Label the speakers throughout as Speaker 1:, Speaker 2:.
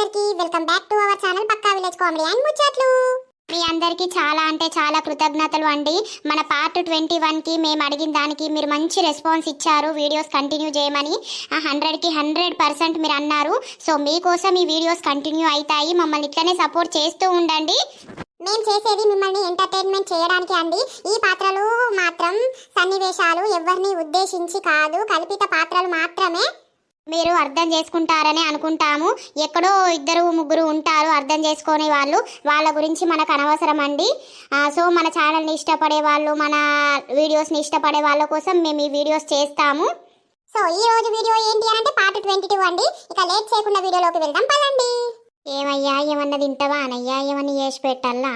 Speaker 1: అందరికీ welcome back to our channel పక్కా village comedy and ముచ్చట్లు. మీ అందరికీ చాలా అంటే చాలా కృతజ్ఞతలు అండి. మన పార్ట్ 21కి మేము అడిగిన దానికి మీరు మంచి రెస్పాన్స్ ఇచ్చారు, వీడియోస్ కంటిన్యూ చేయమని. 100కి 100% మీరు అన్నారు. సో మీకోసం ఈ వీడియోస్ కంటిన్యూ అవుతాయి. మమ్మల్ని ఇట్లనే సపోర్ట్ చేస్తూ ఉండండి. మేము చేసేది మిమ్మల్ని ఎంటర్టైన్మెంట్ చేయడానికి అండి. ఈ పాత్రలు మాత్రం సన్నివేశాలు ఎవరిని ఉద్దేశించి కాదు, కల్పిత పాత్రలు మాత్రమే. మీరు అర్థం చేసుకుంటారని అనుకుంటాము. ఎక్కడో ఇద్దరు ముగ్గురు ఉంటారు అర్థం చేసుకునే వాళ్ళు, వాళ్ళ గురించి మనకు అనవసరం అండి. సో మన ఛానల్ని ఇష్టపడే వాళ్ళు, మన వీడియోస్ని ఇష్టపడే వాళ్ళ కోసం మేము ఈ వీడియోస్ చేస్తాము. సో ఈ రోజు వీడియో ఏంటి అంటే పార్ట్ 22 అండి. ఇక లేట్ చేయకుండా వీడియోలోకి వెళ్దాం పదండి. ఏమయ్యా ఏమన్నా తింటావా అనయ్యా, ఏమన్నా చేసి పెట్టాలా?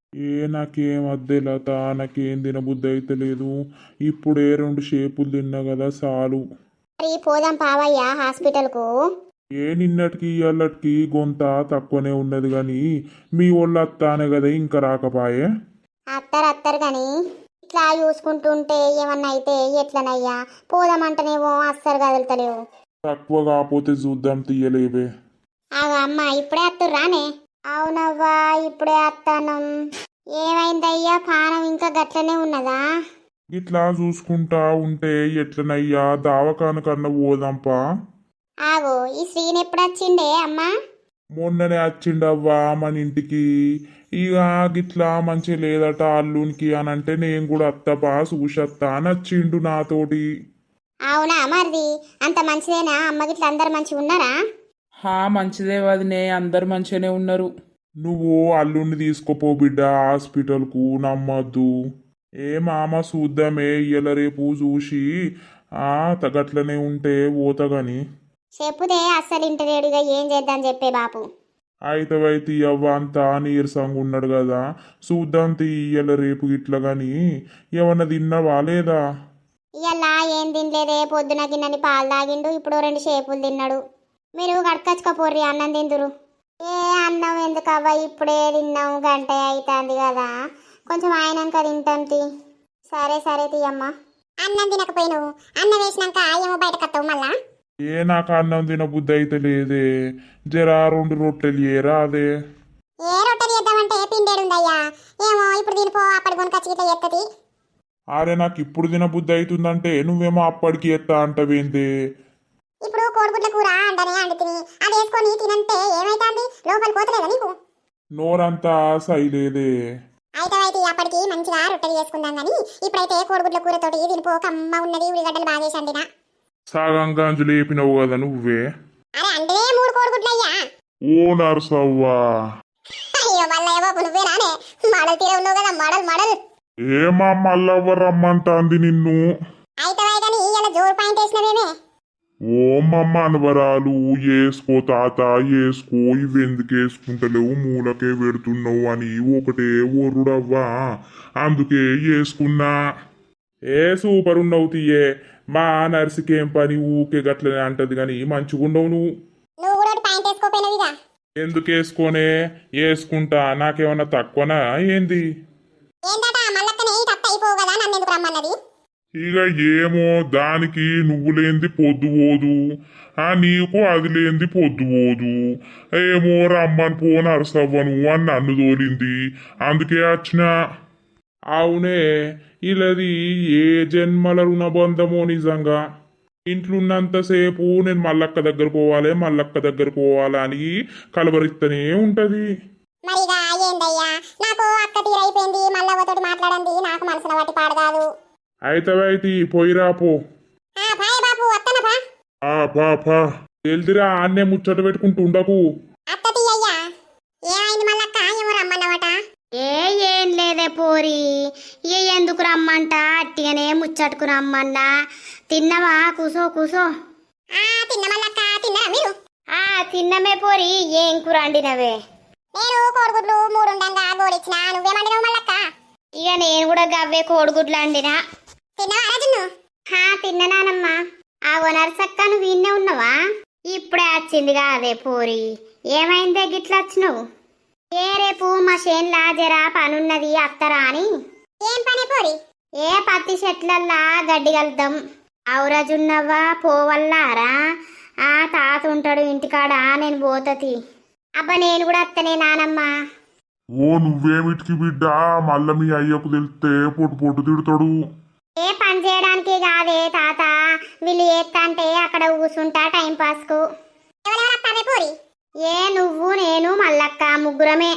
Speaker 2: నాకేం అద్దే లత, నాకేం తినబుద్ధి అయితే లేదు. ఇప్పుడే 2 షేపులు తిన్నా కదా చాలు.
Speaker 1: మరి పోదాం పావయ్యా హాస్పిటల్కు.
Speaker 2: నిన్నటికి ఇయ్యాలటికి గొంత తక్కువనే ఉన్నది కానీ మీ వాళ్ళు అత్తానే కదా ఇంకా రాకపాయే.
Speaker 1: అత్తరు కానీ ఇట్లా చూసుకుంటుంటే ఏమన్నా అయితే ఎట్లనయ్యా, పోదామంటేనేమో అస్సలు కదులుతలేవు.
Speaker 2: తక్కువ కాకపోతే చూద్దాం తీయలేవే.
Speaker 1: అమ్మ ఇప్పుడే అత్తుర్రానే? అవునవ్వా ఇప్పుడే అత్తానం. ఏమైందయ్యా, పానం ఇంకా గట్లనే ఉన్నదా?
Speaker 2: ఇట్లా చూసుకుంటా ఉంటే ఎట్లనయ్యా, దావకాన కన్నా పోదాంపా.
Speaker 1: ఆగో ఈ శ్రీని ఎప్పుడు వచ్చిండే అమ్మా?
Speaker 2: మొన్ననే వచ్చిండవ్వా మన ఇంటికి. ఇక గిట్లా మంచి లేదట అల్లునికి అని అంటే నేను కూడా అత్తపా చూసత్తా అని వచ్చిండు నాతోటి.
Speaker 1: అవునా మరిది అంత మంచిదేనా? అమ్మ గిట్ల అందరు మంచిగా ఉన్నారా?
Speaker 3: మంచిదే వదినే, అందరు మంచిగానే ఉన్నారు.
Speaker 2: నువ్వు అల్లుడిని తీసుకుపో బిడ్డ హాస్పిటల్కు, నమ్మద్దు. మామ చూద్దామే ఇయ్యాల రేపు చూసి తగట్లనే ఉంటే పోతగాని.
Speaker 1: చెప్పుదే అస్సలు ఇంటలేడుగా, ఏం చేద్దాం చెప్పే బాపు.
Speaker 2: అయితే అవ్వ అంతా నీరసంగా ఉన్నాడు కదా, చూద్దాం ఇయ్యాల రేపు ఇట్లా గాని. ఏమన్నా తిన్నావా లేదా?
Speaker 1: ఇయ్యలా ఏం తినలేదే, పొద్దున గిన్నెని పాలు తాగిండు, ఇప్పుడు 2 షేపులు తిన్నాడు. మీరు కడకచ్చుకపోర్రి అన్నం తిందురు. అన్నం ఎందుకవ్వ, ఇప్పుడే తిన్నాము, గంట అవుతుంది కదా, కొంచెం ఆయనంక తింటాం తీ. సరే తీయమ్మా. అన్నం తినకపోయినావు, అన్నం వేసినాక ఏమో బయట కత్తావు మళ్ళా.
Speaker 2: నాకు అన్నం తిన బుద్ధి అయితే లేదే, జరా 2 రొట్టెలు ఏరా అదే.
Speaker 1: ఏ రొట్టెలు చేద్దామంటే పిండేడుందయ్యా, ఏమో ఇప్పుడు తినిపో, అప్పటి కొనుకొచ్చి ఇట్లా ఎత్తది.
Speaker 2: అరే నాకు ఇప్పుడు తిన బుద్ధి అవుతుందంటే నువ్వేమో అప్పటికి ఎత్తా అంటవేందే.
Speaker 1: ఇప్పుడు కోడిగుడ్ల కూర అంటనే అండుతుంది, అది వేసుకొని తినంటే ఏమైతుంది, లోపల పోతలేదా నీకు?
Speaker 2: నోరంతా సైలేదే.
Speaker 1: అయితే అప్పటికి మంచిగా రొట్టెలు చేసుకుందాం కానీ ఇప్పుడైతే కోడిగుడ్ల కూరతోటి తినిపో, కమ్మ ఉన్నది, ఉల్లిగడ్డలు బాగా వేసి అండినా.
Speaker 2: సగం గంజు లేపినవు కదా నువ్వే.
Speaker 1: అరే అంటే 3 కోడిగుడ్లు అయ్యా.
Speaker 2: ఓ నర్సవ్వా.
Speaker 1: అయ్యో మళ్ళీ నువ్వే రానే, మడలు తీరే ఉన్నావు కదా, మడలు.
Speaker 2: ఏమా మళ్ళవ్వ రమ్మంటాంది నిన్ను?
Speaker 1: అయితే కానీ ఇలా జోరు పాయింట్ వేసినవేమే.
Speaker 2: ఓమమ్మ అనవరాలు, వేసుకో తాత వేసుకో, ఇవెందుకు వేసుకుంటలేవు, మూలకే పెడుతున్నావు అని ఒకటే ఒర్రుడవ్వా, అందుకే వేసుకున్నా. సూపర్ ఉన్నావు తీయే. మా నర్సుకేం పని, ఊకే గట్లనే అంటది గాని మంచిగుండవు నువ్వు. ఎందుకు వేసుకోనే, వేసుకుంటా. నాకేమన్నా తక్కువనా ఏంది? ఇక ఏమో దానికి నువ్వు లేంది పొద్దు పోదు, నీకు అది లేంది పొద్దు పోదు. ఏమో రమ్మని పో నరసవ్వను అని నన్ను తోలింది, అందుకే వచ్చిన. అవునే, ఇలాది ఏ జన్మల రుణబంధమో నిజంగా. ఇంట్లున్నంతసేపు నేను మల్లక్క దగ్గర పోవాలి అని కలవరిస్తూనే ఉంటది. అయితే పోయిరా పో. తెలిదిరా ఆన్నే ముచ్చట పెట్టుకుంటూ ఉండకు.
Speaker 1: ఏం లేదే పోరి, ఎందుకు రమ్మంట, అట్టిగానే ముచ్చట్టుకు రమ్మన్నా. తిన్నవా? కూసో. తిన్నమే పోరి. ఏం కూర అండినవే? నేను కోడిగుడ్లు 3 ఉండంగా గోడిచ్చిన, నువ్వేమండినావు మల్లక్క? ఇక నేను కూడా గవ్వే కోడిగుడ్లు అండినా. తిన్నానమ్మా. ఆ నర్సక్క నువ్వు ఇన్నే ఉన్నావా? ఇప్పుడే వచ్చింది కాదే పోరి. ఏమైందే గిట్లా వచ్చినావు? రేపు మా చేన్లా జరా పనున్నది అత్తరా అని. ఏం పని పోరి? పత్తి చెట్లల్లా గడ్డి కలుద్దాం. అవురజున్నవ్వా పోవల్లారా? తాత ఉంటాడు ఇంటికాడ, నేను పోతతి. అబ్బా నేను కూడా అత్తనే నానమ్మ.
Speaker 2: ఓ నువ్వేమిటికి బిడ్డ, మళ్ళా మీ అయ్యకు తెలిస్తే పొట్టు పొట్టు తిడతాడు.
Speaker 1: ఏ పని చేయడానికి కాదే తాత, వీళ్ళు ఏత్తంటే అక్కడ కూర్చుంటా టైం పాస్ కు. ఏ నువ్వు నేను మల్లక్క ముగ్గురమే.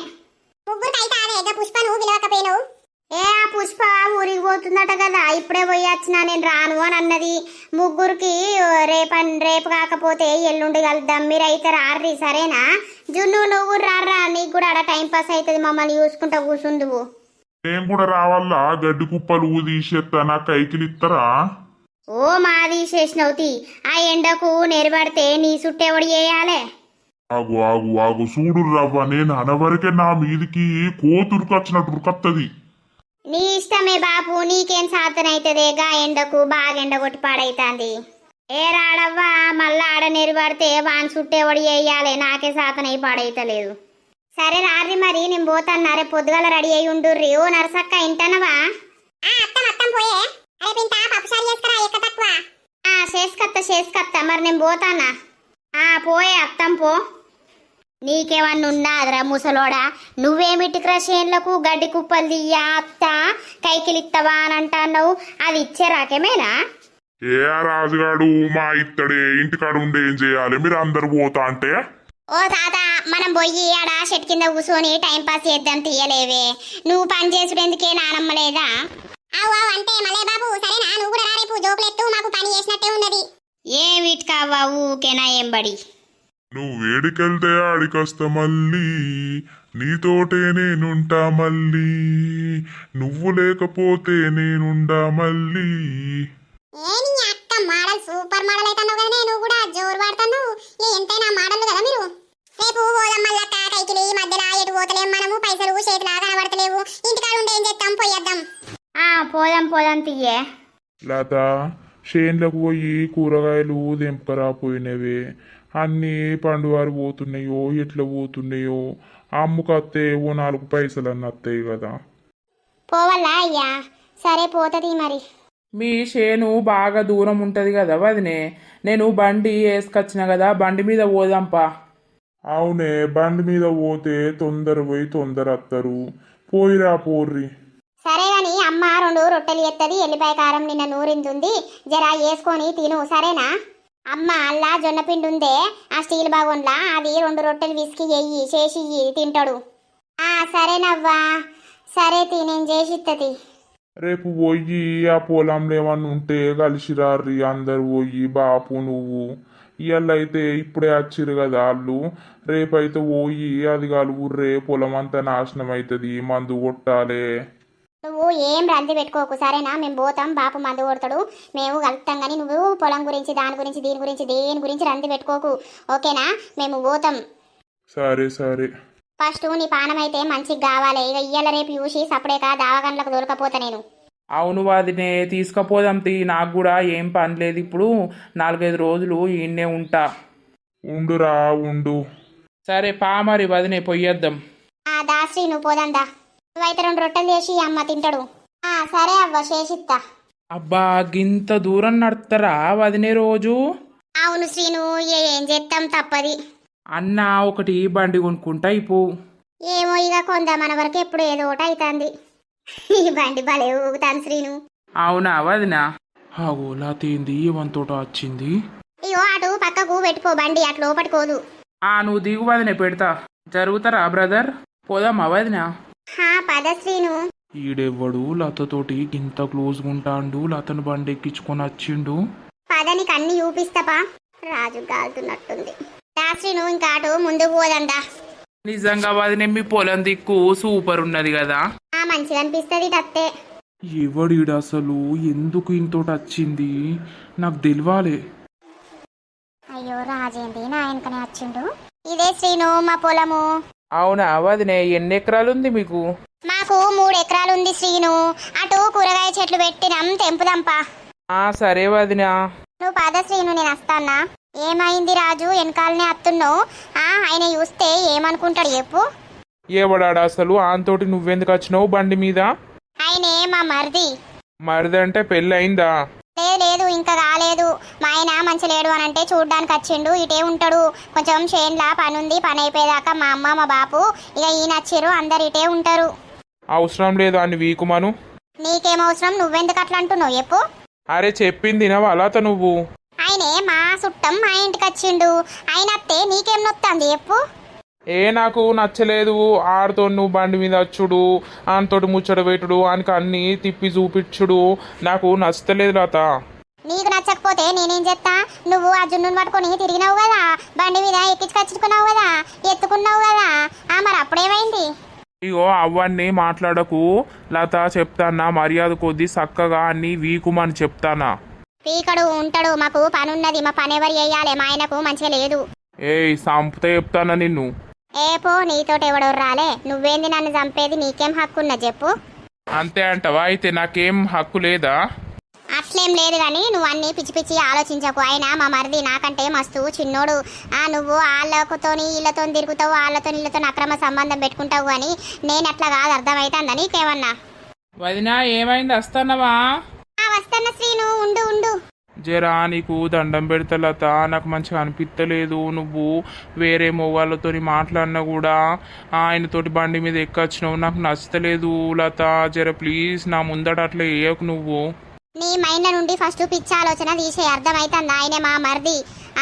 Speaker 1: ఏ ఆ పుష్ప ఊరికి పోతుందట కదా, ఇప్పుడే పోయి వచ్చినా నేను రాను అని అన్నది. ముగ్గురికి రేపు కాకపోతే ఎల్లుండి కలుద్దాం, మీరైతే రార్రి సరేనా? జున్ను నువ్వు రారా, నీకు కూడా ఆడ టైం పాస్ అవుతుంది, మమ్మల్ని చూసుకుంటా కూర్చుందువు.
Speaker 2: నేను కూడా రావాలా? గడ్డి కుప్పలు తీసేస్తా, నా కైకిలు ఇస్తారా?
Speaker 1: ఓ మాది చేసినవుతి, ఆ ఎండకు నెరబడితే నీ సుట్టెవడి చేయాలే?
Speaker 2: ఆగు ఆగు ఆగు చూడు రవ్వ, నేను అనవరకే నా మీదికి కోతురుకొచ్చినట్టు ఉరుకత్తది.
Speaker 1: నీ ఇష్టమే బాపు, నీకేం సాతనైతదే గా ఎండకు, బాగా ఎండ కొట్టి పాడైతాంది. ఏ రాడవ్వా, మళ్ళా ఆడ నెరబడితే వాన్ సుట్టేవడి చేయాలి, నాకే సాతనై పాడైతలేదు. సరే రారి మరి, నేను పోతాను. రేపు పొద్దుగాల రెడీ అయి ఉండుర్రి. ఓ నరసక్క ఇంటనవా? చేసుకత్తా మరి, నేను పోతానా? పోయే అత్తం పో. నీకేమన్నా ఉన్నాదిరా ముసలోడా, నువ్వేమిటికిరా చేన్లకు గడ్డి కుప్పలు తీయ అత్త కైకిలిత్తవా అని అంటున్నావు, అది ఇచ్చే రాకేమేనా?
Speaker 2: ఏ రాజుగాడు మా ఇత్తడే ఇంటికాడ ఉండి ఏం చేయాలి, మీరు అందరు పోతా అంటే?
Speaker 1: ఓ తాత, మనం పోయి ఆడ చెట్టు కింద కూర్చొని టైం పాస్ చేద్దాం, తీయలేవే. నువ్వు పని చేసుడేందుకే నానమ్మలేదా? అంటే మలే బాబు సరేనా, నువ్వు కూడా రేపు జోకులెత్తు, మాకు పని చేసినట్టే ఉన్నది. ఏమిటి కావా ఊకేనా ఏం బడి?
Speaker 2: నువ్వు వేడికెళ్తే ఆడికొస్తా మళ్ళీ, నీతోటే నేనుంటా మళ్ళీ, నువ్వు లేకపోతే నేనుండా మళ్ళీ.
Speaker 1: మోడల్ సూపర్ మోడల్ అవుతున్నావు కదా, నువ్వు కూడా జోరు వాడుతున్నావు. ఎంతైనా మోడల్ కదా మీరు. రేపు పోదాం మళ్ళక్క కైకిలి, మధ్యలో ఎటు పోతలేం మనము, పైసలు చేతిలా కనబడతలేవు, ఇంటికాడ ఉండి ఏం చేస్తాం, పోయేద్దాం. పోదాం తీయే.
Speaker 2: లత, చేన్లకు పోయి కూరగాయలు దింపకరాపోయినవే, అన్నీ పండువారు పోతున్నాయో ఎట్లా పోతున్నాయో, అమ్ముకత్తే ఓ 4 పైసలు అన్న వస్తాయి కదా.
Speaker 1: పోవాలా అయ్యా? సరే పోతుంది మరి.
Speaker 3: మీ చేను బాగా దూరం ఉంటుంది కదా వదినే, నేను బండి వేసుకొచ్చిన కదా, బండి మీద పోదాంపా.
Speaker 2: అవునే, బండి మీద పోతే తొందర పోయి తొందర వస్తారు, పోయిరా పోర్రి.
Speaker 1: సరే గాని అమ్మ 2 రొట్టెలు ఎత్తది, ఎల్లిపాయ కారం నిన్న నూరింది, జరా వేసుకొని తిను సరేనా? అమ్మ అల్లా జొన్న పిండి ఉందే ఆ స్టీల్ బాగుండ్లా, అది 2 రొట్టెలు విసికి చేసి తింటాడు. సరేనవ్వా, సరే నేను చేసి ఇత్తది.
Speaker 2: రేపు పోయి ఆ పొలంలో ఏమన్నా ఉంటే కలిసి రారి అందరు పోయి, బాపు నువ్వు. ఇవాళైతే ఇప్పుడే వచ్చిరు కదా వాళ్ళు, రేపైతే పోయి అది కలుగుర్రే, పొలం అంతా నాశనం అవుతుంది, మందు కొట్టాలే.
Speaker 1: నువ్వు ఏం రంది పెట్టుకోకు సరేనా? మేము పోతాం, బాపు మందు కొడతాడు, మేము కలుపుతాం. కానీ నువ్వు పొలం గురించి దాని గురించి దీని గురించి దేని గురించి రంది పెట్టుకోకు, ఓకేనా? మేము పోతాం.
Speaker 2: సరే సరే.
Speaker 1: ఫస్ట్ నీ పానం అయితే మంచిగా కావాలి. ఇక ఇయ్యాల రేపు చూసి సపరేక దావగండ్లకు దొరకపోతా నేను.
Speaker 3: అవును వదినే, తీసుకపోదాం తీ, నాకు కూడా ఏం పని లేదు ఇప్పుడు, 4-5 రోజులు ఈయన్నే ఉంటా.
Speaker 2: ఉండురా ఉండు.
Speaker 3: సరే పా మరి వదినే, పొయ్యేద్దాం.
Speaker 1: దాశ్రీ నువ్వు పోదందా, నువ్వైతే 2 రొట్టెలు చేసి అమ్మ తింటాడు. సరే అవ్వ చేసిత్తా.
Speaker 3: అబ్బా గింత దూరం నడుస్తారా వదినే రోజు?
Speaker 1: అవును శ్రీను, ఏం చేస్తాం తప్పది.
Speaker 3: అన్న ఒకటి బండి కొనుక్కుంటా ఇప్పు.
Speaker 1: ఏమో ఇక కొందా మన వరకు ఎప్పుడు ఏదో ఒకటి అవుతుంది. ఈ బండి భలే ఊగుతాను శ్రీను.
Speaker 3: అవునా వదినా?
Speaker 2: ఆగో లాతేంది ఏమంతోట వచ్చింది.
Speaker 1: అయ్యో అటు పక్కకు పెట్టుకో బండి, అటు లోపట్టుకోదు.
Speaker 3: నువ్వు దిగు వదినే, పెడతా. జరుగుతారా బ్రదర్? పోదామా వదినా?
Speaker 1: పద శ్రీను.
Speaker 2: ఈడెవ్వడు లతతోటి ఇంత క్లోజ్గా ఉంటాండు, లతను బండి ఎక్కించుకొని వచ్చిండు.
Speaker 1: పదని కన్ని చూపిస్తాపా, రాజు గాలుతున్నట్టుంది. శ్రీను ఇంకా అటు ముందుకు పోదండా.
Speaker 3: నిజంగా వదినే మీ పొలం దిక్కు సూపర్ ఉన్నది కదా,
Speaker 1: మంచిగా అనిపిస్తుంది అత్తే.
Speaker 2: ఎవడీడు అసలు, ఎందుకు ఇంతోటి వచ్చింది నాకు తెలియాలి.
Speaker 1: అయ్యో రాజేంది నా వెనకనే వచ్చిండు. ఇదే శ్రీను మా పొలము.
Speaker 3: అవునా వదినే, ఎన్ని ఎకరాలు ఉంది మీకు?
Speaker 1: మాకు 3 ఎకరాలు ఉంది శ్రీను. అటు కూరగాయ చెట్లు పెట్టినాం, తెంపుదాంపా.
Speaker 3: సరే వదినా.
Speaker 1: నువ్వు పద శ్రీను, నేను వస్తానా. ఏమైంది రాజు, వెనకాలనే వస్తున్నావు? ఆయన చూస్తే ఏమనుకుంటాడు చెప్పు.
Speaker 3: ఏవడాడు అసలు, ఆంతోటి నువ్వెందుకు వచ్చినావు బండి మీద?
Speaker 1: ఆయనే మా మరిది.
Speaker 3: మరిదంటే పెళ్ళి అయిందా?
Speaker 1: లేదు లేదు ఇంకా కాలేదు. మా ఆయన మంచి లేడు అని అంటే చూడ్డానికి వచ్చిండు. ఇటే ఉంటాడు. కొంచెం చేన్లా పని ఉంది. పని అయిపోయేదాకా మా అమ్మ మా బాపు ఇక ఈయన వచ్చిర్రు. అందరు ఇటే ఉంటారు.
Speaker 3: అవసరం లేదు అని వీకుమను.
Speaker 1: నీకేం అవసరం? నువ్వెందుకు అట్లా అంటున్నావు చెప్పు.
Speaker 3: అరే చెప్పింది నా లత నువ్వు.
Speaker 1: ఆయనే మా చుట్టం మా ఇంటికి వచ్చిండు. ఆయన అత్తే నీకేం నొత్తంది చెప్పు.
Speaker 3: నాకు నచ్చలేదు ఆడితో నువ్వు బండి మీద వచ్చుడు, ఆయనతోటి ముచ్చట పెట్టుడు, ఆయనకి అన్ని తిప్పి చూపించుడు నాకు నచ్చలేదు లత.
Speaker 1: నీకు నచ్చకపోతే నేనేం చేస్తా? నువ్వు ఆ జున్నుని పట్టుకొని తిరిగినావు కదా, బండి మీద ఎక్కించుకొచ్చుకున్నావు కదా, ఎత్తుకున్నావు కదా, మరి అప్పుడేమైంది?
Speaker 3: ఇగో అవన్నీ మాట్లాడకు లత, చెప్తానా మర్యాద కొద్దీ చక్కగా అన్ని వీకుమని చెప్తానా.
Speaker 1: పీకడు ఉంటాడు. మాకు పని ఉన్నది. మా పని ఎవరు చేయాలి? మా ఆయనకు మంచిగా లేదు.
Speaker 3: సంపుతా చెప్తానా నిన్ను.
Speaker 1: పో, నీతోటి ఎవడో రాలే. నువ్వేంది నన్ను చంపేది? నీకేం హక్కు ఉన్నది చెప్పు.
Speaker 3: అంతే అంటవా? అయితే నాకేం హక్కు లేదా?
Speaker 1: అట్లేం లేదు కానీ నువ్వు అన్ని పిచ్చి పిచ్చి ఆలోచించకు. అయినా మా మరిది నాకంటే మస్తు చిన్నోడు. నువ్వు వాళ్ళతోని వీళ్ళతో తిరుగుతావు, వాళ్ళతో వీళ్ళతో అక్రమ సంబంధం పెట్టుకుంటావు అని నేను అట్లా కాదు. అర్థమవుతుందా నీకేమన్నా?
Speaker 3: వదినా ఏమైంది? వస్తానవా?
Speaker 1: వస్తాను శ్రీను, ఉండు ఉండు.
Speaker 3: జరా నీకు దండం పెడతా లత, నాకు మంచిగా అనిపించలేదు. నువ్వు వేరే మొగాళ్ళతో మాట్లాడినా కూడా ఆయనతోటి బండి మీద ఎక్కొచ్చినావు, నాకు నచ్చలేదు లత. జర ప్లీజ్ నా ముందట అట్లా వేయకు నువ్వు.
Speaker 1: నీ మైండ్ల నుండి ఫస్ట్ పిచ్చి ఆలోచన తీసే. అర్థమవుతుంది? ఆయనే మా మరిది.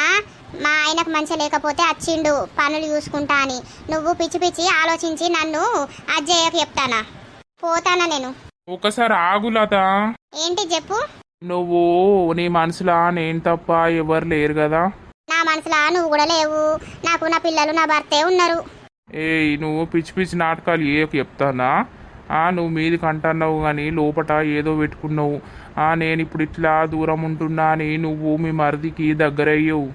Speaker 1: మా ఆయనకు మంచి లేకపోతే వచ్చిండు పనులు చూసుకుంటా అని. నువ్వు పిచ్చి పిచ్చి ఆలోచించి నన్ను అజ్జయ్యకు చెప్తానా? పోతానా నేను.
Speaker 3: ఒకసారి ఆగు లత.
Speaker 1: ఏంటి చెప్పు.
Speaker 3: నువ్వు నీ మనసులా నేను తప్ప ఎవరు లేరు కదా?
Speaker 1: నా మనసులా నువ్వు కూడా లేవు. నాకు నా పిల్లలు నా భర్తే ఉన్నారు.
Speaker 3: నువ్వు పిచ్చి పిచ్చి నాటకాలు చెప్తానా? నువ్వు మీదికి అంటున్నావు కానీ లోపట ఏదో పెట్టుకున్నావు. నేను ఇప్పుడు ఇట్లా దూరం ఉంటున్నా అని నువ్వు మీ మరిదికి దగ్గరయ్యవు.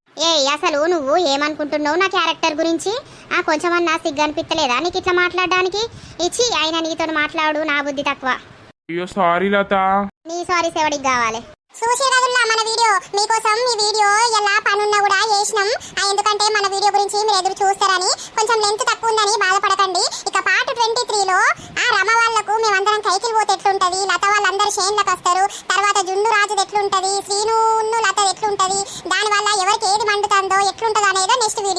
Speaker 1: అసలు నువ్వు ఏమనుకుంటున్నావు నా క్యారెక్టర్ గురించి? కొంచెమన్నా సిగ్గు అనిపించలేదా నీకు ఇట్లా మాట్లాడడానికి? ఇచ్చి ఆయన నీతో మాట్లాడు. నా బుద్ధి తక్కువ.
Speaker 3: అయ్యో సారీ లత.
Speaker 1: నీ సారీ ఎవడికి కావాలి? చూసే రోజుల్లో మన వీడియో మీకోసం ఈ వీడియో ఎలా పనున్నా కూడా చేసినాం. ఎందుకంటే మన వీడియో గురించి మీరు ఎదురు చూస్తారని. కొంచెం లెంత్ తక్కువ ఉందని బాధపడకండి. ఇక పార్ట్ 23లో రమ వాళ్ళకు మేమందరం కైకిల్ పోతే ఎట్లుంటది, లత వాళ్ళందరూ షేన్లకు వస్తారు, తర్వాత జున్ను రాజుది ఎట్లుంటది, శ్రీను లత ఎట్లుంటది, దానివల్ల ఎవరికి ఏది మండుతుందో ఎట్లుంటదో అనేదో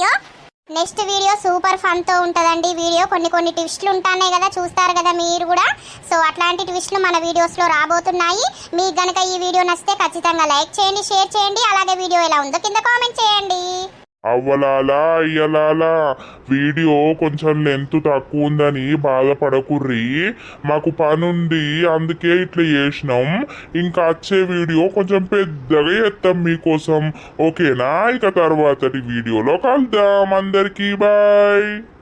Speaker 1: నెక్స్ట్ వీడియో సూపర్ ఫన్ తో ఉంటదండి. వీడియో కొన్ని ట్విస్ట్లు ఉంటాయి కదా, చూస్తారు కదా మీరు కూడా. సో అట్లాంటి ట్విస్ట్లు మన వీడియోస్ లో రాబోతున్నాయి. మీకు గనక ఈ వీడియో నచ్చితే ఖచ్చితంగా లైక్ చేయండి, షేర్ చేయండి. అలాగే వీడియో ఎలా ఉందో కింద కామెంట్ చేయండి.
Speaker 2: అవ్వలాలా అయ్యలాలా వీడియో కొంచెం లెంత్ తక్కువ ఉందని బాధపడకుర్రి. మాకు పనుంది అందుకే ఇట్లా చేసినాం. ఇంకా వచ్చే వీడియో కొంచెం పెద్దగా చేస్తాం మీకోసం. ఓకేనా? ఇక తర్వాతటి వీడియోలో కలుద్దాం. అందరికీ బాయ్.